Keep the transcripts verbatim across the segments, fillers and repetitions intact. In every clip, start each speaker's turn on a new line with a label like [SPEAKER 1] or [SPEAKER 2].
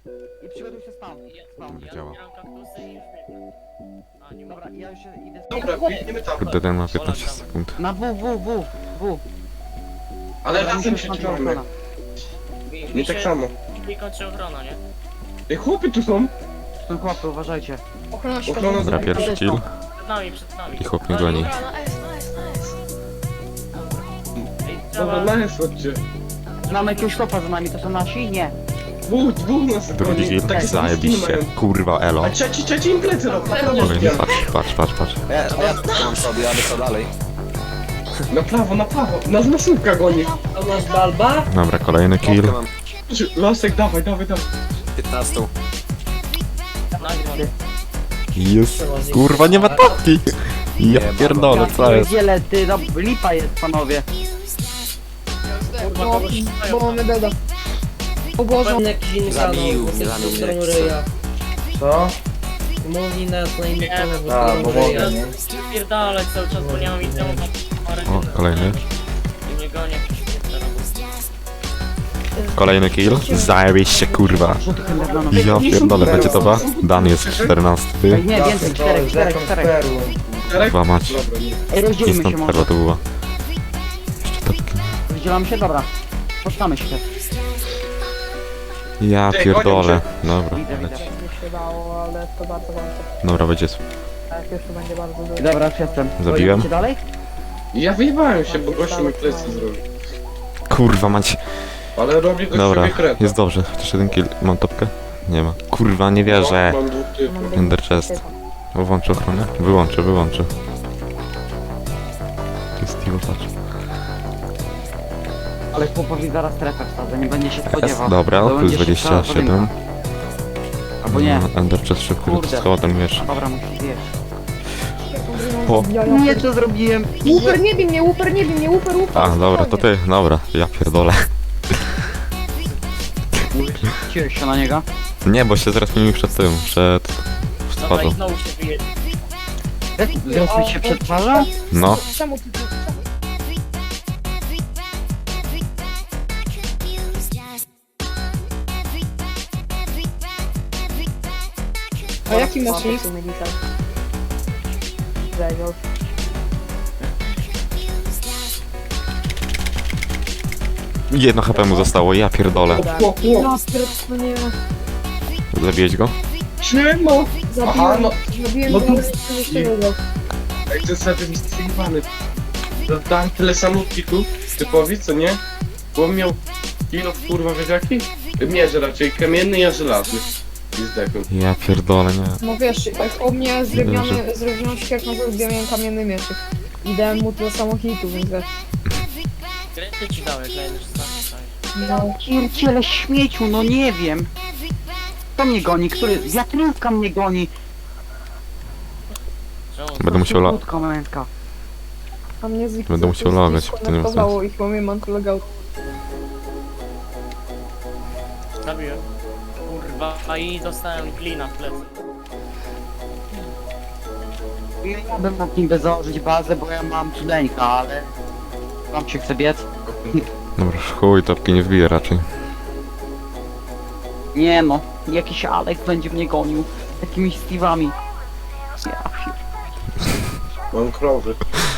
[SPEAKER 1] I przygotuj się spam. Spam.
[SPEAKER 2] Ja działa.
[SPEAKER 3] zbieram kaktusy i już biegnę. A, nie
[SPEAKER 1] Dobra, ja już idę.
[SPEAKER 4] Dobra, biegniemy tam.
[SPEAKER 2] Kurde, ten ma piętnaście sekund.
[SPEAKER 1] Na W, W, W, W.
[SPEAKER 4] Ale
[SPEAKER 1] Dobra,
[SPEAKER 4] razem
[SPEAKER 1] mi
[SPEAKER 4] się
[SPEAKER 1] kończy
[SPEAKER 4] trzymamy.
[SPEAKER 1] ochrona.
[SPEAKER 3] Mi,
[SPEAKER 4] Nie
[SPEAKER 3] mi
[SPEAKER 4] tak
[SPEAKER 3] się-
[SPEAKER 4] samo.
[SPEAKER 3] Mi kończy ochrona, nie?
[SPEAKER 4] Ej, chłopy tu są.
[SPEAKER 1] Są chłopy, uważajcie.
[SPEAKER 5] Ochrona
[SPEAKER 4] Ochrona
[SPEAKER 5] świata.
[SPEAKER 2] Dobra, pierwszy chill.
[SPEAKER 3] Przed nami, przed nami.
[SPEAKER 2] I chłop mnie goni.
[SPEAKER 5] Dobra, no S, no S, no S.
[SPEAKER 3] Ej,
[SPEAKER 4] Dobra,
[SPEAKER 3] trzeba...
[SPEAKER 4] na jest chodźcie.
[SPEAKER 1] Mamy jakiegoś chłopa za nami, to są nasi? Nie.
[SPEAKER 4] Dwóch, dwóch nas
[SPEAKER 2] Drugi
[SPEAKER 4] goni.
[SPEAKER 2] kill.
[SPEAKER 4] Takie same skiny
[SPEAKER 2] Zajebiście.
[SPEAKER 4] mają.
[SPEAKER 2] Kurwa, elo.
[SPEAKER 4] A trzeci, trzeci im plecy robi.
[SPEAKER 2] Kolejny, patrz, patrz, patrz, patrz.
[SPEAKER 6] Ja, ja mam sobie, jadę co dalej.
[SPEAKER 4] Na prawo, na prawo. Nas masówka goni.
[SPEAKER 7] To masz balba?
[SPEAKER 2] Dobra, kolejny kill.
[SPEAKER 6] Mopkę mam
[SPEAKER 4] Lasek, dawaj, dawaj, dawaj.
[SPEAKER 6] piętnaście.
[SPEAKER 3] Nagle.
[SPEAKER 2] Jest. Kurwa, nie ma tapki. Ja pierdolę, co jest?
[SPEAKER 1] Wiele, ty, no, lipa jest, panowie.
[SPEAKER 5] Bo, bo mamy deda. O Boże,
[SPEAKER 7] Jakiś inny kanał,
[SPEAKER 6] Zabił
[SPEAKER 7] bo
[SPEAKER 6] mnie,
[SPEAKER 7] jest
[SPEAKER 6] zabił
[SPEAKER 7] w
[SPEAKER 6] mnie
[SPEAKER 7] stronę
[SPEAKER 6] jak
[SPEAKER 7] ryja.
[SPEAKER 8] Co?
[SPEAKER 7] Mówi nas na inny kanał, bo
[SPEAKER 8] A,
[SPEAKER 7] w
[SPEAKER 8] bo
[SPEAKER 7] stronę
[SPEAKER 8] mogę,
[SPEAKER 7] ryja.
[SPEAKER 8] nie?
[SPEAKER 3] Spierdalać cały czas, bo nie mam itemu na parę
[SPEAKER 2] O, kolejny.
[SPEAKER 3] I mnie gonię jakiś teraz.
[SPEAKER 2] Kolejny kill. Zajebiście, kurwa. Ja pierdolę, będzie to ba? Dan jest
[SPEAKER 1] Ej,
[SPEAKER 2] czternasty.
[SPEAKER 1] nie, więcej, czterech, czterech, czterech.
[SPEAKER 8] perłą.
[SPEAKER 4] Czterech?
[SPEAKER 2] Dwa mać.
[SPEAKER 4] Dobra, nie.
[SPEAKER 1] Ej, rozdzielmy się
[SPEAKER 2] Instant
[SPEAKER 1] może.
[SPEAKER 2] perła to była. Jeszcze tapki.
[SPEAKER 1] Rozdzielamy się, dobra. Spotkamy się.
[SPEAKER 2] Ja
[SPEAKER 4] Ej,
[SPEAKER 2] pierdolę. Dobra,
[SPEAKER 1] Widzę, widzę.
[SPEAKER 2] leci.
[SPEAKER 5] nie się dało, ale to bardzo wątpię.
[SPEAKER 2] Dobra, będzie.
[SPEAKER 5] Tak, jeszcze będzie bardzo dużo.
[SPEAKER 1] Dobra, już jestem.
[SPEAKER 2] Zabiłem.
[SPEAKER 1] Idziecie dalej?
[SPEAKER 4] Ja wyjebałem się, bo gościu mi plecy zrobił.
[SPEAKER 2] Kurwa mać.
[SPEAKER 4] Ale robi gościu
[SPEAKER 2] Dobra,
[SPEAKER 4] mnie kret.
[SPEAKER 2] jest dobrze. Chociaż jeden kill. Mam topkę? Nie ma. Kurwa, nie wierzę.
[SPEAKER 4] Mam dwóch typów.
[SPEAKER 2] Ender chest. Włączę ochronę? Wyłączę, wyłączę. To jest Steve, patrz.
[SPEAKER 1] Ale chłopowi zaraz strefę wsadzę, nie będzie się
[SPEAKER 2] S,
[SPEAKER 1] spodziewał.
[SPEAKER 2] dobra,
[SPEAKER 1] To
[SPEAKER 2] plus
[SPEAKER 1] będzie
[SPEAKER 2] dwadzieścia
[SPEAKER 1] szybka
[SPEAKER 2] siedem.
[SPEAKER 1] podjęta. Albo nie.
[SPEAKER 2] No, Ender chest szybko
[SPEAKER 1] Kurde.
[SPEAKER 2] schował ten miecz.
[SPEAKER 1] Dobra, musisz zjeść.
[SPEAKER 2] O.
[SPEAKER 1] Nie, co zrobiłem?
[SPEAKER 5] Łuper nie bij mnie, łuper nie bij mnie, łuper, łuper.
[SPEAKER 2] A, dobra, to ty, dobra, ja pierdolę.
[SPEAKER 1] Ciłeś się na niego?
[SPEAKER 2] Nie, bo się zaraz mi przed tym, przed
[SPEAKER 3] Dobra,
[SPEAKER 2] twarzą.
[SPEAKER 3] i znowu się wyje...
[SPEAKER 1] Zrozumieć się przed twarzą?
[SPEAKER 2] No,
[SPEAKER 5] Czemu ty czemu? A jaki masz nick? Zajmą.
[SPEAKER 2] jedno H P mu zostało, ja pierdolę.
[SPEAKER 4] O, o,
[SPEAKER 5] Ja no nie,
[SPEAKER 2] Zabiłeś go?
[SPEAKER 4] Siema! Aha,
[SPEAKER 5] zabiłem,
[SPEAKER 4] no.
[SPEAKER 5] zabiłem
[SPEAKER 4] no
[SPEAKER 5] go,
[SPEAKER 4] to-
[SPEAKER 5] ale jeszcze nie go.
[SPEAKER 4] Ej, to jest sobie wystrzeliwany. Dałem tyle samotki tu, typowi, co nie? Bo on miał kilo, kurwa, wiesz jaki? Mierz raczej kamienny, ja żelazny. I zdechł.
[SPEAKER 2] Ja pierdolę, nie.
[SPEAKER 5] No wiesz, jak u mnie
[SPEAKER 2] Dobrze.
[SPEAKER 5] zrobiony, zrobiony świat, no to miałem kamienny mieczyk. I dałem mu tyle samo hitu, więc wiesz.
[SPEAKER 3] Kręty ci dał, jak na jeden czasami.
[SPEAKER 5] No.
[SPEAKER 1] Pierdziele śmieciu, no nie wiem. Kto mnie goni? Który? Wiatrówka mnie goni.
[SPEAKER 3] Czemu?
[SPEAKER 2] Będę musiał la...
[SPEAKER 1] Krótka męska.
[SPEAKER 5] A mnie z
[SPEAKER 2] Będę musiał logać, bo to nie ma
[SPEAKER 5] skonektowało ich, bo mnie mantulogało.
[SPEAKER 3] Zabiłem. Kurwa, i dostałem klina w plecy.
[SPEAKER 1] Ja bym mógł niby założyć bazę, bo ja mam cudeńka, ale... Wam się chce biec?
[SPEAKER 2] Dobra, chuj, topki nie wbije raczej.
[SPEAKER 1] Nie no, jakiś Alek będzie mnie gonił. Takimi Steve'ami. Ja pier...
[SPEAKER 4] Mam krowy.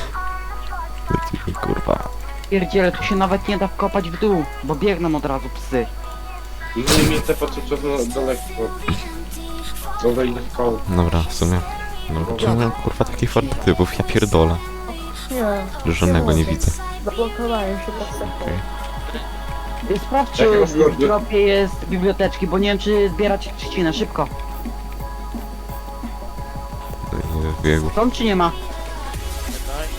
[SPEAKER 2] Kurwa.
[SPEAKER 1] Pierdziele, tu się nawet nie da wkopać w dół, bo biegną od razu psy.
[SPEAKER 4] No i mnie te patrzę na daleko. Dobra, idę w koło.
[SPEAKER 2] Dobra, w sumie. Dobra, czemu mam kurwa takich fortytypów? Ja pierdolę.
[SPEAKER 5] Nie,
[SPEAKER 2] Żadnego nie widzę.
[SPEAKER 5] zablokowałem się pod sektorem.
[SPEAKER 1] Y, Sprawdź,
[SPEAKER 4] Jakie
[SPEAKER 1] czy
[SPEAKER 4] masz
[SPEAKER 1] w
[SPEAKER 4] mordy?
[SPEAKER 1] dropie jest biblioteczki, bo nie wiem, czy zbierać trzcinę. Szybko.
[SPEAKER 2] Nie wbiegł.
[SPEAKER 1] Są czy nie ma?
[SPEAKER 3] Czekaj.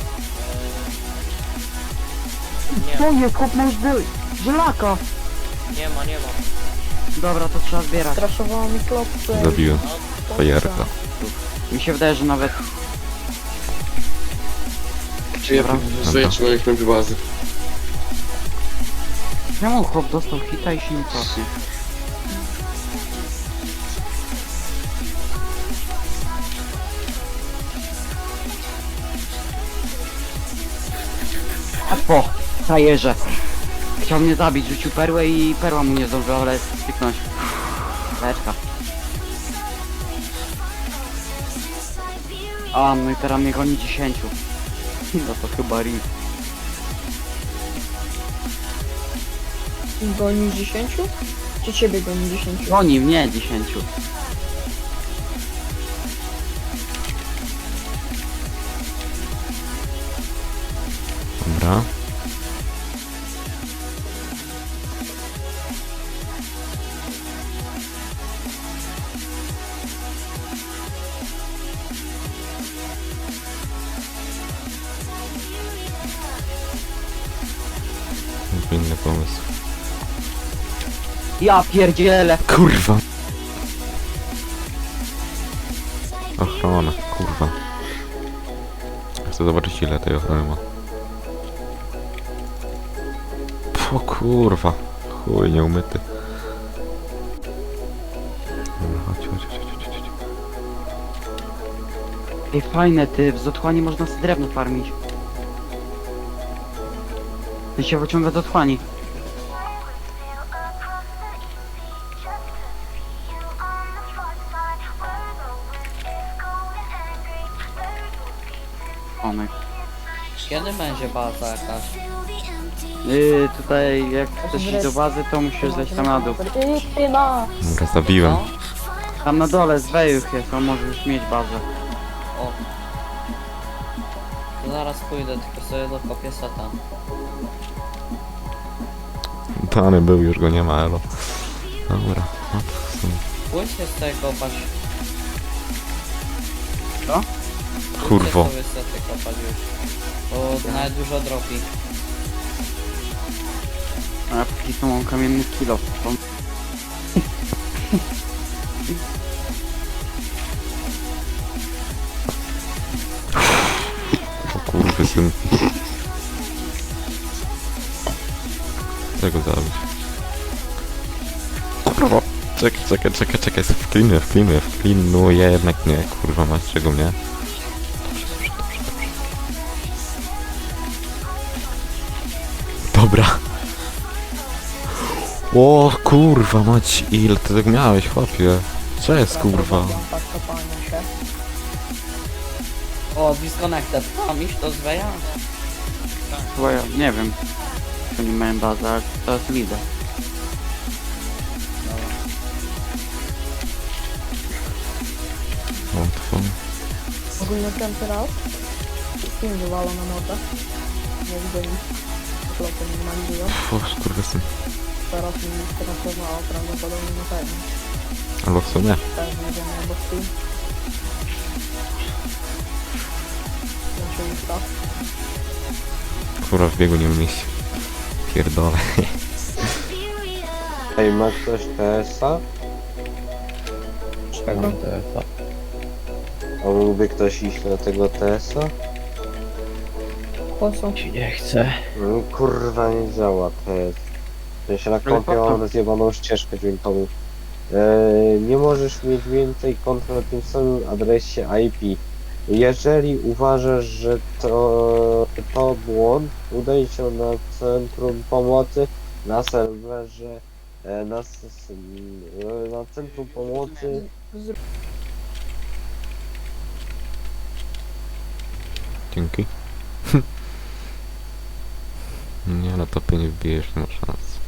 [SPEAKER 3] Eee...
[SPEAKER 1] To jest, chłop ma już ży- żelaka.
[SPEAKER 3] Nie, nie ma, nie ma.
[SPEAKER 1] Dobra, to trzeba zbierać.
[SPEAKER 5] Straszowało mi klopce.
[SPEAKER 2] Zabiłem. Fajerka.
[SPEAKER 1] Mi się wydaje, że nawet...
[SPEAKER 4] Czy ja
[SPEAKER 1] Dobra.
[SPEAKER 4] żyję, czy mam jakąś bazę?
[SPEAKER 1] Czemu chłop dostał hita i się nie co? A po, frajerze. Chciał mnie zabić, rzucił perłę i perła mu nie zdążyła, ale styknąć. Leczka. A, no i teraz mnie goni dziesięciu. No to chyba rip.
[SPEAKER 5] Goni dziesięciu? Czy ciebie goni dziesięciu?
[SPEAKER 1] Goni mnie dziesięciu.
[SPEAKER 2] Dobra. Inny pomysł.
[SPEAKER 1] Ja pierdzielę.
[SPEAKER 2] Kurwa. Ochrona, kurwa. Chcę zobaczyć ile tej ochrony ma. O kurwa. Chuj, nieumyty. Dobra, chodź, chodź, chodź, chodź, chodź, chodź.
[SPEAKER 1] Ej, fajne ty, w Zotchłani można sobie drewno farmić. Ty się wyciąga do otchłani. Onek.
[SPEAKER 7] Kiedy będzie baza jakaś?
[SPEAKER 1] Yy, tutaj jak chcesz iść do bazy, to musisz zejść tam na dół.
[SPEAKER 2] Dobra, zabiłem.
[SPEAKER 7] No?
[SPEAKER 1] Tam na dole z Wejuch jest, on może już mieć bazę.
[SPEAKER 7] O. To zaraz pójdę, tylko sobie dokopię seta.
[SPEAKER 2] Dany był, już go nie ma, elo. Dobra, no to w sumie.
[SPEAKER 7] Pójdźcie z tego kopać.
[SPEAKER 1] Co?
[SPEAKER 2] Kurwo.
[SPEAKER 7] Pójdźcie sobie sety kopać już. Bo nawet dużo dropi.
[SPEAKER 1] A ja póki co mam kamienny kilo. To...
[SPEAKER 2] O kurwy syn. Czego zabić? Kurwa. Czekaj, czekaj, czekaj, czekaj, wklinuję, wklinuję, wklinuję, jednak nie, kurwa, masz czego mnie? Dobra. O kurwa mać, ile ty tak miałeś, chłopie? Co jest kurwa?
[SPEAKER 5] Tak, kopanie się.
[SPEAKER 7] O, disconnected. Mam iść do Zweja?
[SPEAKER 1] Chyba ja nie wiem, czy nie mają bazę, ale to jest lider.
[SPEAKER 2] Łatwo.
[SPEAKER 5] Ogólnie ten teraz film wywala na mordę. Nie widzę nic. Floty minimalizują.
[SPEAKER 2] O kurwa syn.
[SPEAKER 5] Teraz mi strasowała prawdopodobnie na pewno.
[SPEAKER 2] Albo w sumie.
[SPEAKER 5] Pewnie, że nie, bo w tym. Znaczy już tak.
[SPEAKER 2] Kurwa w biegu nie umieści. Pierdolę.
[SPEAKER 8] Ej, ma ktoś T S A?
[SPEAKER 5] Czego?
[SPEAKER 8] A mógłby ktoś iść na tego T S A?
[SPEAKER 5] Po co?
[SPEAKER 8] No, kurwa nie działa T S. W sensie na kompie
[SPEAKER 1] po co?
[SPEAKER 8] mam rozjebaną ścieżkę dźwiękową. Eee, nie możesz mieć więcej kont na tym samym adresie I P. Jeżeli uważasz, że to, to błąd, udaj się na centrum pomocy na serwerze, e, na, s- s- e, na centrum pomocy.
[SPEAKER 2] Dzięki. Nie, na topie nie wbijesz, nie ma szans.